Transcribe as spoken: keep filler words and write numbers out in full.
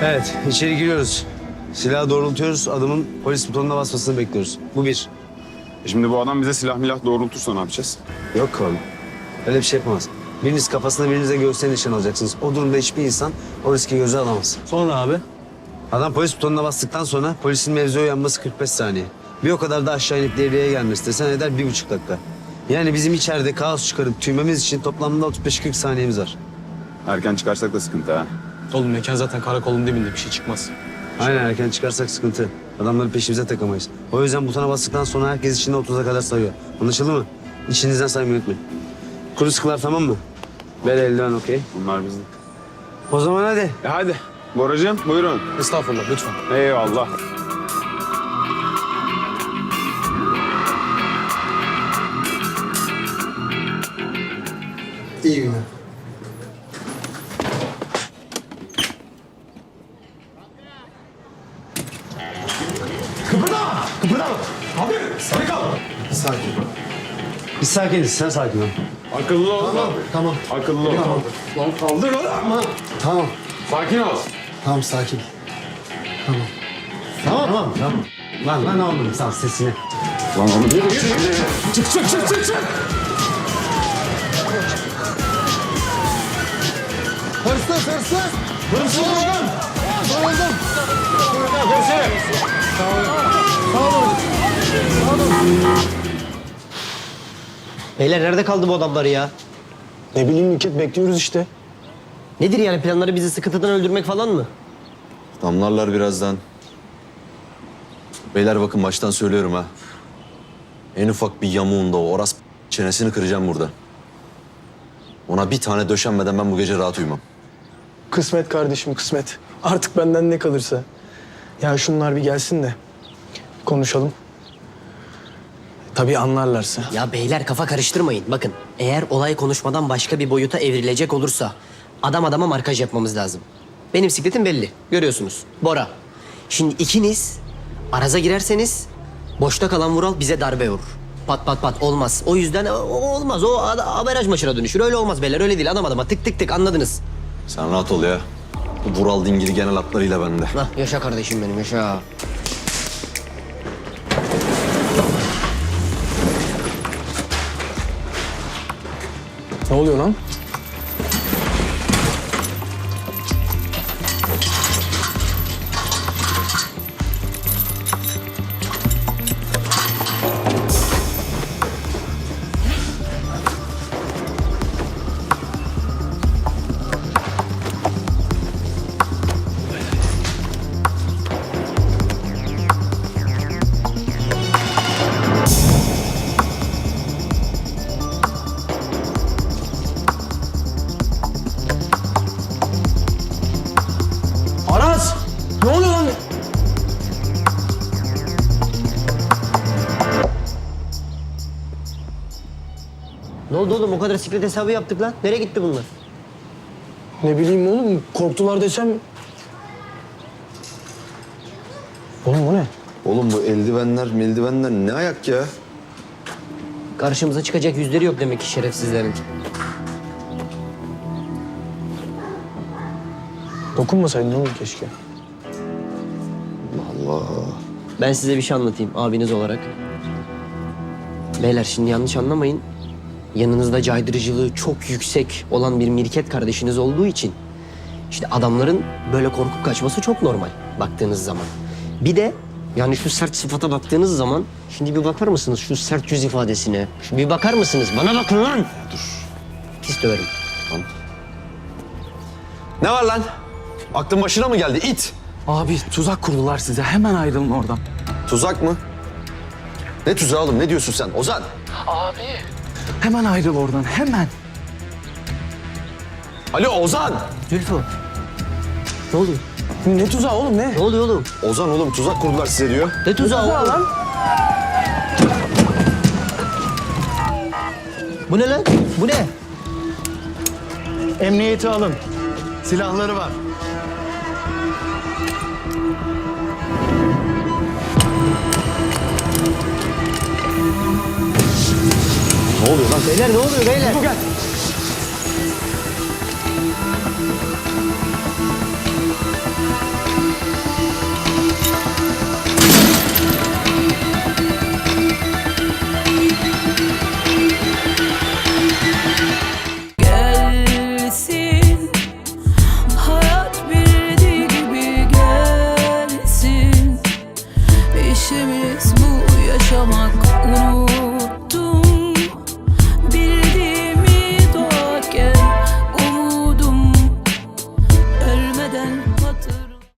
Evet, içeri giriyoruz. Silahı doğrultuyoruz, adamın polis butonuna basmasını bekliyoruz. Bu bir. E şimdi bu adam bize silah milah doğrultursa ne yapacağız? Yok oğlum. Öyle bir şey yapamaz. Biriniz kafasına, biriniz de göğsüne nişan alacaksınız. O durumda hiçbir insan o riski göze alamaz. Sonra abi? Adam polis butonuna bastıktan sonra polisin mevzuya uyanması kırk beş saniye. Bir o kadar da aşağı inip devreye gelmesi desen eder bir buçuk dakika. Yani bizim içeride kaos çıkarıp tüymemiz için toplamda otuz beş kırk saniyemiz var. Erken çıkarsak da sıkıntı ha. Oğlum mekan zaten karakolun dibinde, bir şey çıkmaz. Aynen, erken çıkarsak sıkıntı. Adamları peşimize takamayız. O yüzden butona bastıktan sonra herkes içinde otuza kadar sayıyor. Anlaşıldı mı? İçinizden saymayı unutmayın. Kuru sıkılar tamam mı? Ver eldiven okey. Bunlar bizim. O zaman hadi. E hadi. Boracığım buyurun. Estağfurullah lütfen. Eyvallah. İyi günler. Kıpırdama! Kıpırdama! Abi sarı kal! Sakin. Biz sakiniz, sen sakin ol. Akıllı ol. Tamam, tamam. Akıllı ol. Lan kaldır lan! Tamam. Tamam. Sakin ol. Tamam, sakin. Tamam. Tamam, tamam. tamam. Lan lan ne oldu? Sal sesini. Lan oğlum. Çık çık çık çık çık! Hırsız, hırsız! Hırsız buldum! Soruldum. Beyler nerede kaldı bu adamlar ya? Ne bileyim Nükhet, bekliyoruz işte. Nedir yani planları, bizi sıkıntıdan öldürmek falan mı? Damlarlar birazdan. Beyler bakın baştan söylüyorum ha. En ufak bir yamuğunda o oras çenesini kıracağım burada. Ona bir tane döşenmeden ben bu gece rahat uyumam. Kısmet kardeşim, kısmet. Artık benden ne kalırsa. Ya şunlar bir gelsin de konuşalım. Tabii anlarlarsa. Ya beyler kafa karıştırmayın. Bakın eğer olay konuşmadan başka bir boyuta evrilecek olursa adam adama markaj yapmamız lazım. Benim sikletim belli. Görüyorsunuz. Bora. Şimdi ikiniz araza girerseniz boşta kalan Vural bize darbe vurur. Pat pat pat olmaz. O yüzden o- olmaz. O a- averaj maçına dönüşür. Öyle olmaz beyler. Öyle değil. Adam adama tık tık tık anladınız. Sen rahat ol ya. Bu Vural dingili genel hatlarıyla bende. Hah, yaşa kardeşim benim yaşa. Ne oluyor lan? Aras! Ne oluyor lan? Ne oldu oğlum? O kadar siklet hesabı yaptık lan. Nereye gitti bunlar? Ne bileyim oğlum, korktular desem... Oğlum bu ne? Oğlum bu eldivenler meldivenler ne ayak ya? Karşımıza çıkacak yüzleri yok demek ki şerefsizlerin. Dokunmasaydın oğlum keşke. Allah. Ben size bir şey anlatayım abiniz olarak. Beyler şimdi yanlış anlamayın. Yanınızda caydırıcılığı çok yüksek olan bir mirket kardeşiniz olduğu için... işte adamların böyle korkup kaçması çok normal baktığınız zaman. Bir de yani şu sert sıfata baktığınız zaman... şimdi bir bakar mısınız şu sert yüz ifadesine? Şu bir bakar mısınız? Bana bakın lan! Dur. Pis döverim. Ne var lan? Aklın başına mı geldi it? Abi tuzak kurdular size. Hemen ayrılın oradan. Tuzak mı? Ne tuzağı oğlum? Ne diyorsun sen? Ozan! Hemen ayrıl oradan. Hemen. Alo Ozan! Zülfü. Ne oluyor? Ne tuzağı oğlum ne? Ne oluyor oğlum? Ozan oğlum tuzak kurdular size diyor. Ne tuzağı oğlum? lan? Bu ne lan? Bu ne? Emniyeti alın. Silahları var. Ne oluyor lan? Beyler ne oluyor beyler? Bu gel.